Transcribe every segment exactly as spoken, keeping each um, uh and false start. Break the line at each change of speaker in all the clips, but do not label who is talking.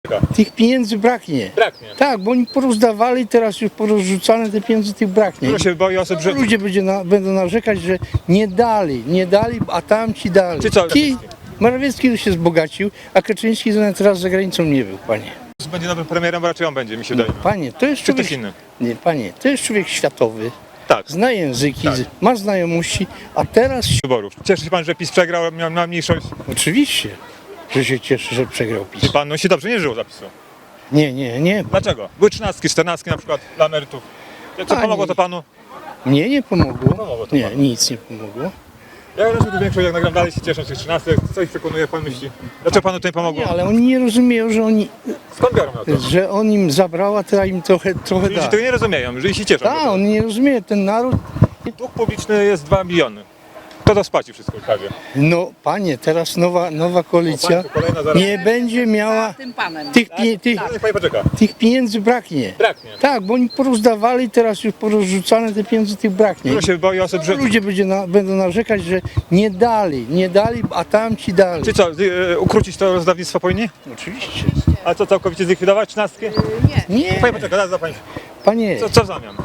Tych pieniędzy braknie.
Braknie.
Tak, bo oni porozdawali, teraz już porozrzucane te pieniądze, tych braknie.
Dużo się boi osób, że...
Ludzie będzie na, będą narzekać, że nie dali, nie dali, a tamci dali.
Czy co?
Ci, Morawiecki już się wzbogacił, a Kaczyński nawet raz za granicą nie był, panie.
Będzie nowym premierem, bo raczej on będzie, mi się wydaje.
Panie, to jest
Czy
człowiek...
ktoś inny?
Nie, panie, to jest człowiek światowy,
Tak.
zna języki,
Tak.
ma znajomości, a teraz...
Wyborów. Cieszy się pan, że PiS przegrał, miał, miał mniejszość.
Oczywiście, że się cieszy, że przegrał PiS.
Czy pan no, się dobrze nie żyło zapisu?
Nie, nie, nie.
Dlaczego? Były trzynastki, czternastki na przykład dla emerytów. Co
Pani-
pomogło to panu?
Mnie nie pomogło.
Pomogło to
Nie,
panu.
nic nie pomogło.
Ja wrażę, że większość jak nagram dalej się cieszą z tych trzynastek. Co ich przekonuje, jak pan myśli? Dlaczego panu to nie pomogło?
Nie, ale oni nie rozumieją, że oni,
Skąd biorą na to?
że on im zabrał, a teraz im trochę, trochę
Ludzie
da.
tego nie rozumieją, że się cieszą.
Tak, oni nie rozumieją, ten naród...
Dług publiczny jest dwa miliony. Kto to spłaci wszystko w prawie?
No, panie, teraz nowa, nowa koalicja
O, państwo, kolejna zaraz.
nie będzie miała
tym panem.
tych, pie, tych,
Niech pani poczeka.
tych pieniędzy braknie.
Braknie.
Tak, bo oni porozdawali, teraz już porozrzucane te pieniądze, tych braknie.
Dużo się boi osób, że...
Ludzie będzie na, będą narzekać, że nie dali, nie dali, a tamci dali.
Czy co, y, ukrócić to rozdawnictwo powinni?
Oczywiście.
A co, całkowicie zlikwidować trzynastki?
Nie,
Pani poczeka, zaraz za pani.
panie,
Co, co w zamian?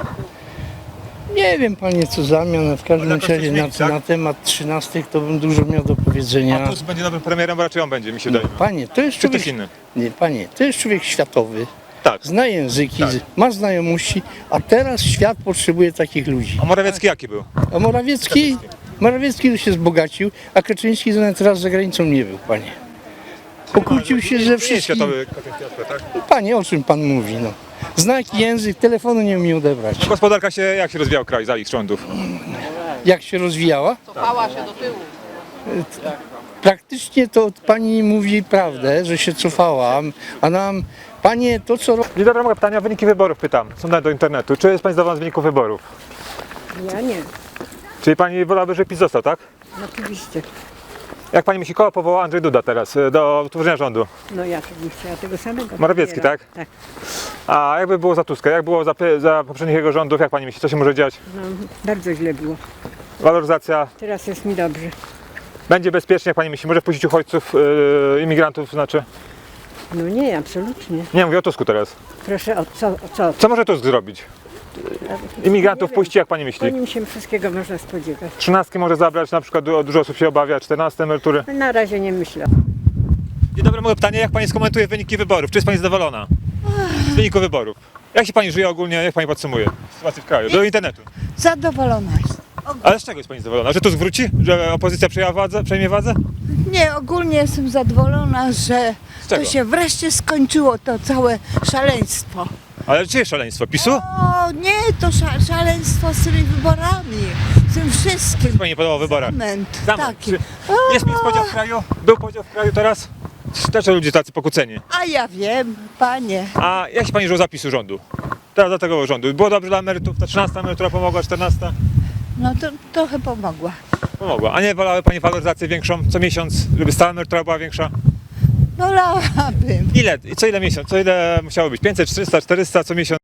nie wiem panie co zamian, w każdym
Ale jakoś
razie
coś
na,
zmienić, tak?
na temat trzynastych to bym dużo miał do
A
powiedzenia.
Tusk będzie nowym premierem, bo raczej on będzie, mi się wydaje.
Panie, to jest
Czy
człowiek,
ktoś inny?
nie, panie, to jest człowiek światowy,
Tak.
zna języki,
Tak.
ma znajomości, a teraz świat potrzebuje takich ludzi.
A Morawiecki jaki był?
A Morawiecki, Morawiecki już się wzbogacił, a Kaczyński nawet raz za granicą nie był, panie. Pokłócił się ze
Nie
wszystkim.
światowy kapitan, tak?
Panie, o czym pan mówi, no? Zna język, telefonu nie umie odebrać.
Gospodarka się, jak się rozwijał kraj za ich rządów?
Jak się rozwijała?
Cofała się do tyłu.
Praktycznie to pani mówi prawdę, że się cofałam, a nam, panie, to co robi...
Dzień dobry, mogę pytania, wyniki wyborów pytam. Są dane do internetu. Czy jest pani zadowolona z wyników wyborów?
Ja nie,
Czyli pani wolałaby, żeby PiS został, tak?
oczywiście.
Jak pani myśli, kogo powoła Andrzej Duda teraz y, do utworzenia rządu?
No ja bym chciała tego samego.
Morawiecki,
premiera.
tak?
Tak.
A jakby było za Tuska? Jak było za, py- za poprzednich jego rządów? Jak pani myśli, co się może dziać?
No, bardzo źle było.
Waloryzacja
Teraz jest mi dobrze.
będzie bezpiecznie, jak pani myśli? Może wpuścić uchodźców, yy, imigrantów, znaczy?
No nie, absolutnie.
Nie, mówię o Tusku teraz.
Proszę, o co? O co?
Co może Tusk zrobić? Imigrantów
Nie wiem.
puści, jak pani
Po
myśli?
nim się wszystkiego można spodziewać.
Trzynastki może zabrać, na przykład du- dużo osób się obawia, czternaste emerytury.
Na razie nie myślę.
Dzień dobry, moje pytanie, jak pani skomentuje wyniki wyborów? Czy jest pani zadowolona z wyniku wyborów? Jak się pani żyje ogólnie, jak pani podsumuje sytuację w kraju? Do internetu.
Zadowolona jest.
Ale z czego jest pani zadowolona? Że Tusk wróci? Że opozycja przejęła władzę, przejmie władzę?
Nie, ogólnie jestem zadowolona, że
Z czego?
to się wreszcie skończyło, to całe szaleństwo.
Ale czyje szaleństwo? PiSu?
O nie, to sza, szaleństwo z tymi wyborami, z tym wszystkim.
Pani nie podobał w wyborach?
Zamęt
Zamęt.
taki.
Czy jest mi podział w kraju? Był podział w kraju teraz? Dlaczego ludzie tacy pokłóceni?
A ja wiem, panie.
A jak się pani żyło zapisu rządu? Teraz do tego rządu. Było dobrze dla emerytów? Ta trzynasta emerytura pomogła, czternasta?
No to trochę pomogła.
Pomogła. A nie wolały pani waloryzację większą co miesiąc, żeby stała emerytura była większa?
Wolałabym.
Ile? Co ile miesiąc? Co ile musiało być? pięćset, trzysta, czterysta co miesiąc?